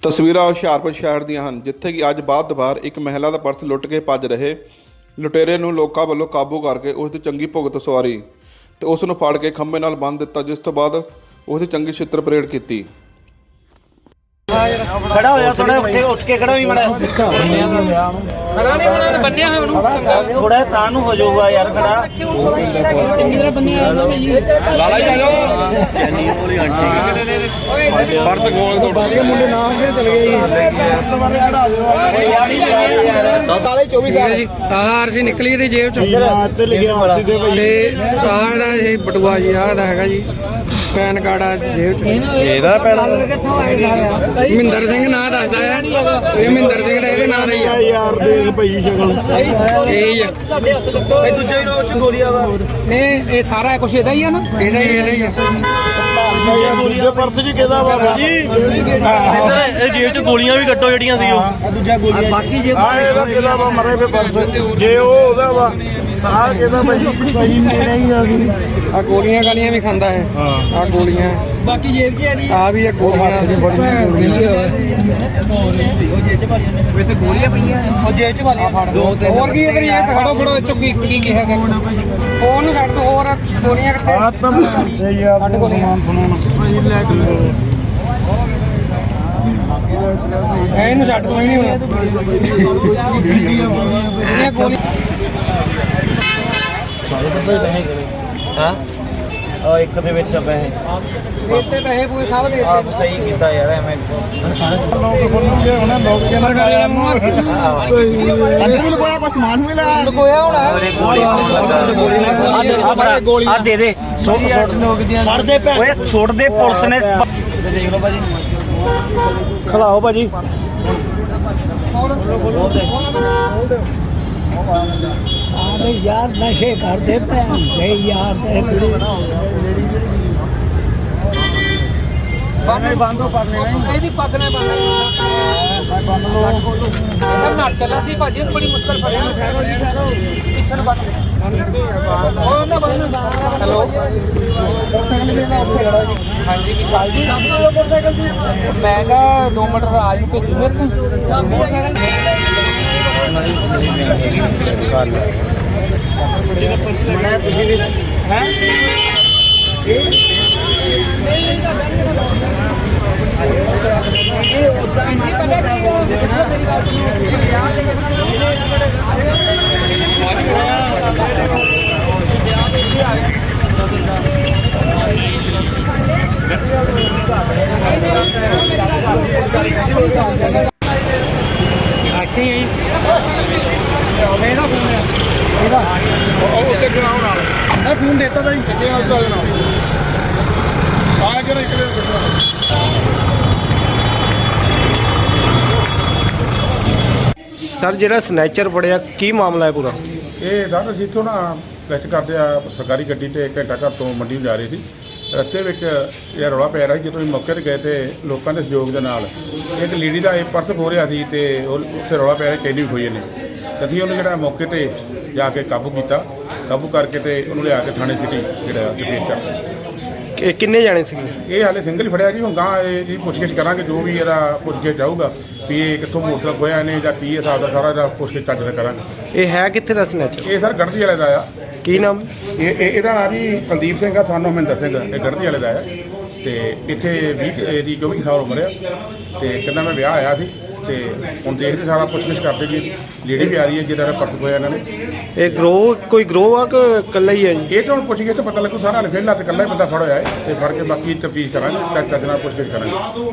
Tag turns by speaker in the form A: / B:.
A: ਤਸਵੀਰਾਂ ਹੁਸ਼ਿਆਰਪੁਰ ਸ਼ਹਿਰ ਦੀਆਂ ਹਨ, ਜਿੱਥੇ ਕਿ ਅੱਜ ਬਾਅਦ ਦੁਪਹਿਰ ਇੱਕ ਮਹਿਲਾ ਦਾ ਪਰਸ ਲੁੱਟ ਕੇ ਭੱਜ ਰਹੇ ਲੁਟੇਰੇ ਨੂੰ ਲੋਕਾਂ ਵੱਲੋਂ ਕਾਬੂ ਕਰਕੇ ਉਸ ਦੀ ਚੰਗੀ ਭੁਗਤ ਸਵਾਰੀ ਤੇ ਉਸ ਨੂੰ ਫੜ ਕੇ ਖੰਭੇ ਨਾਲ ਬੰਨ੍ਹ ਦਿੱਤਾ, ਜਿਸ ਤੋਂ ਬਾਅਦ ਉਸ ਦੀ ਚੰਗੀ ਛਿੱਤਰ ਪਰੇਡ ਕੀਤੀ।
B: खड़ा हो जा थोड़ा उठ के खड़ा भी बड़ा खड़ा नहीं होना बन्ने है ਉਹਨੂੰ थोड़ा तां ਨੂੰ ਹੋ ਜਾਊਗਾ ਯਾਰ ਖੜਾ ਚੰਗੀ ਤਰ੍ਹਾਂ ਬੰਨੇ ਲਾਲਾ ਹੀ ਆ ਜਾਓ
A: ਪਰਸ ਗੋਲ ਤੋੜ ਕੇ ਮੁੰਡੇ ਨਾਲ ਕੇ ਚਲੇ ਗਏ
C: ਕਾਲੇ 24 ਸਾਲ ਜੀ। ਆਹ ਸੀ ਨਿਕਲੀ ਇਹਦੀ ਜੇਬ ਚੋਂ
B: ਤੇ ਲਿਖਿਆ ਮਾਸੀ ਦੇ ਭਾਈ
C: ਤੇ ਆਹ ਦਾ ਇਹ ਬਟੂਆ ਜੀ ਆਹ ਦਾ ਹੈਗਾ ਜੀ ਪੈਨ ਕਾਰਡ ਆ ਜੇਬ ਚ।
B: ਇਹਦਾ ਪੈਨ
C: ਮਹਿੰਦਰ ਸਿੰਘ ਨਾਂ ਦੱਸਦਾ ਆ, ਇਹ ਮਹਿੰਦਰ ਸਿੰਘ ਦਾ ਇਹਦੇ ਨਾਂ ਦਾ ਹੀ ਆ
B: ਯਾਰ ਦੇਖ ਭਾਈ ਸ਼ਕਲ
C: ਇਹ ਹੀ ਆ।
B: ਭਾਈ ਦੂਜੇ ਰੋਡ ਚ ਗੋਲੀਆਂ ਵਾ
C: ਨਹੀਂ ਇਹ ਸਾਰਾ ਕੁਝ ਇਹਦਾ ਹੀ ਆ ਨਾ, ਇਹਦਾ ਹੀ ਆ।
B: ਦੂਜੇ ਪਰਸ ਚ ਕਿਹਦਾ ਵਾ ਜੀ ਇਹ ਜੇਬ ਚ ਗੋਲੀਆਂ ਵੀ ਕੱਟੋ ਜਿਹੜੀਆਂ ਸੀ ਉਹ ਦੂਜਾ ਗੋਲੀਆਂ ਬਾਕੀ ਜੇ ਇਹਦਾ ਕਿਹਦਾ ਵਾ ਮਰੇ ਫੇ ਪਰਸ ਜੇ ਉਹ ਉਹਦਾ ਵਾ ਆਹ ਕਿਹਦਾ ਭਾਈ ਮੇਰਾ ਹੀ ਆ ਗਈ
C: ਆ ਗੋਲੀਆਂ ਗਾਲੀਆਂ ਵੀ ਖਾਂਦਾ ਹੈ। ਆ ਗੋਲੀਆਂ
B: ਬਾਕੀ ਜੇਬ ਚ
C: ਆ ਵੀ ਆ ਗੋਲੀਆਂ
B: ਉਹ ਜੇਬ ਚ ਵਾਲੀਆਂ ਦੋ ਤਿੰਨ
C: ਹੋਰ ਕੀ ਕਰੀ ਇਹ ਖੜੋ ਖੜੋ ਚੁੱਕੀ ਕੀ ਹੈਗਾ ਉਹਨੂੰ ਛੱਡ ਦੋ, ਹੋਰ ਗੋਲੀਆਂ ਕਿੱਥੇ
B: ਯਾਰ ਗੋਲੀਆਂ ਸੁਣਾਉਣ ਭਾਈ ਲੈ ਕੇ
C: ਇਹਨੂੰ ਛੱਡ ਕੋਈ ਨਹੀਂ ਹੋਣਾ ਇਹ ਗੋਲੀ
B: ਹਾਂ ਉਹ ਇੱਕ ਦੇ ਵਿੱਚ ਪੈਸੇ
C: ਦਿੱਤੇ ਪੈਸੇ ਪੂਰੇ ਸਭ ਦੇ
B: ਆਪ ਸਹੀ ਕੀਤਾ ਯਾਰ ਐਵੇਂ ਲੋਕ ਖੋਲੂਗੇ ਹੁਣ ਲੋਕ
A: ਅੰਦਰ ਵੀ ਲਗਾਇਆ ਕੋਈ ਸਮਾਨ ਵੀ ਲਾਇਆ
C: ਲਗੋਇਆ ਹੋਣਾ
B: ਗੋਲੀ ਆ ਦੇ ਦੇ ਛੱਡ ਦੇ ਓਏ ਛੋੜ ਦੇ ਪੁਲਿਸ ਨੇ ਦੇਖ ਲਓ ਭਾਜੀ ਖਲਾਓ ਭਾਜੀ ਆਲੇ ਯਾਰ ਨਸ਼ੇ ਕਰਦੇ ਪਏ ਯਾਰ ਬੰਦੋ ਪਰਨੇ ਨਹੀਂ
C: ਇਹਦੀ ਪੱਗ ਨੇ ਇਹਦਾ ਨੱਟ ਚੱਲਾ ਸੀ ਭਾਜੀ, ਬੜੀ ਮੁਸ਼ਕਲ ਫੜਿਆ ਪਿੱਛੇ ਨੂੰ ਬੰਦ ਉਹ ਨਾ ਬੰਦ। ਹੈਲੋ ਹਾਂਜੀ ਵਿਸ਼ਾਲ ਜੀ, ਮੋਟਰਸਾਈਕਲ ਜੀ ਮੈਂ ਕਿਹਾ 2 ਮਿੰਟ ਰਾਜ ਨੂੰ ਭੇਜੂ ਮੇਰੇ
A: ਫੋਨ ਦੇਤਾ ਤਾਂ ਜੀ ਆ ਕੇ ਇੱਕ
B: ਸਰ ਜਿਹੜਾ ਸਨੈਚਰ ਫੜਿਆ ਕੀ ਮਾਮਲਾ ਹੈ ਪੂਰਾ?
D: ਇਹ ਸਰ ਅਸੀਂ ਇੱਥੋਂ ਨਾ ਗਸ਼ਤ ਕਰਦੇ ਆ ਸਰਕਾਰੀ ਗੱਡੀ ਤੇ ਘੰਟਾ ਘਰ ਤੋਂ ਮੰਡੀ ਨੂੰ ਜਾ ਰਹੇ ਸੀ। ਰਸਤੇ ਵਿੱਚ ਇਹ ਰੌਲਾ ਪੈ ਰਿਹਾ ਸੀ। ਜਦੋਂ ਅਸੀਂ ਮੌਕੇ 'ਤੇ ਗਏ ਤੇ ਲੋਕਾਂ ਦੇ ਸਹਿਯੋਗ ਦੇ ਨਾਲ ਇੱਕ ਲੇਡੀ ਦਾ ਇਹ ਪਰਸ ਖੋਹ ਰਿਹਾ ਸੀ ਤੇ ਉੱਥੇ ਰੌਲਾ ਪੈ ਰਿਹਾ ਕੈਨੀ ਵੀ ਹੋਈ ਨੇ। ਅਸੀਂ ਉਹਨੂੰ ਜਿਹੜਾ ਮੌਕੇ 'ਤੇ ਜਾ ਕੇ ਕਾਬੂ ਕੀਤਾ, ਕਾਬੂ ਕਰਕੇ ਤੇ ਉਹਨੂੰ ਲਿਆ ਕੇ ਥਾਣੇ ਸਿਟੀ ਜਿਹੜਾ ਪੇਸ਼ ਕਰਤਾ।
B: ਕਿੰਨੇ ਜਾਣੇ ਸੀ?
D: ਇਹ ਹਾਲੇ ਸਿੰਗਲ ਹੀ ਫੜਿਆ ਜੀ। ਹੁਣ ਗਾਂ ਇਹਦੀ ਪੁੱਛਗਿੱਛ ਕਰਾਂਗੇ, ਜੋ ਵੀ ਇਹਦਾ ਪੁੱਛਗਿੱਛ ਜਾਊਗਾ ਵੀ ਇਹ ਕਿੱਥੋਂ ਮੋਟਰਸਾਈਕਲ ਖੋਇਆ ਨੇ ਜਾਂ ਕੀ ਹਿਸਾਬ ਦਾ ਸਾਰਾ ਇਹਦਾ ਪੁੱਛਗਿੱਛ ਚੱਜ ਨਾਲ ਕਰਾਂਗੇ।
B: ਇਹ ਹੈ ਕਿੱਥੇ ਦਾ ਸਨੈਚਰ?
D: ਇਹ ਸਰ ਗੜਦੀ ਵਾਲੇ ਦਾ ਆ।
B: ਕੀ ਨਾਮ?
D: ਇਹਦਾ ਨਾਮ ਜੀ ਕੁਲਦੀਪ ਸਿੰਘ ਆ, ਸਾਨੂੰ ਮਹਿੰਦਰ ਸਿੰਘ। ਇਹ ਗੜਦੀ ਵਾਲੇ ਦਾ ਆ ਤੇ ਇੱਥੇ 20 ਦੀ 24 ਸਾਲ ਉਮਰ ਆ ਤੇ ਕਹਿੰਦਾ ਮੈਂ ਵਿਆਹ ਆਇਆ ਸੀ ਤੇ ਹੁਣ ਦੇਖਦੇ ਸਾਰਾ ਪੁੱਛਗਿੱਛ ਕਰਦੇ ਜੀ। ਲੇਡੀ ਵੀ ਆ ਰਹੀ ਹੈ ਜਿਹਦਾ ਪਰਸ ਖੋਇਆ ਇਹਨਾਂ ਨੇ।
B: ਇਹ ਕੋਈ ਗਰੋਹ ਆ ਕਿ ਇਕੱਲਾ ਹੀ ਹੈ ਜੀ?
D: ਇਹ ਤਾਂ ਹੁਣ ਪੁੱਛਗਿੱਛ ਪਤਾ ਲੱਗੂ ਸਾਰਾ। ਫਿਲਹਾਲ ਇਕੱਲਾ ਹੀ ਬੰਦਾ ਫੜ ਹੋਇਆ ਹੈ ਤੇ ਫੜ ਕੇ ਬਾਕੀ ਤਫਤੀਸ਼ ਕਰਾਂਗੇ, ਚੱਜ ਨਾਲ ਪੁੱਛਗਿੱਛ ਕਰਾਂਗੇ।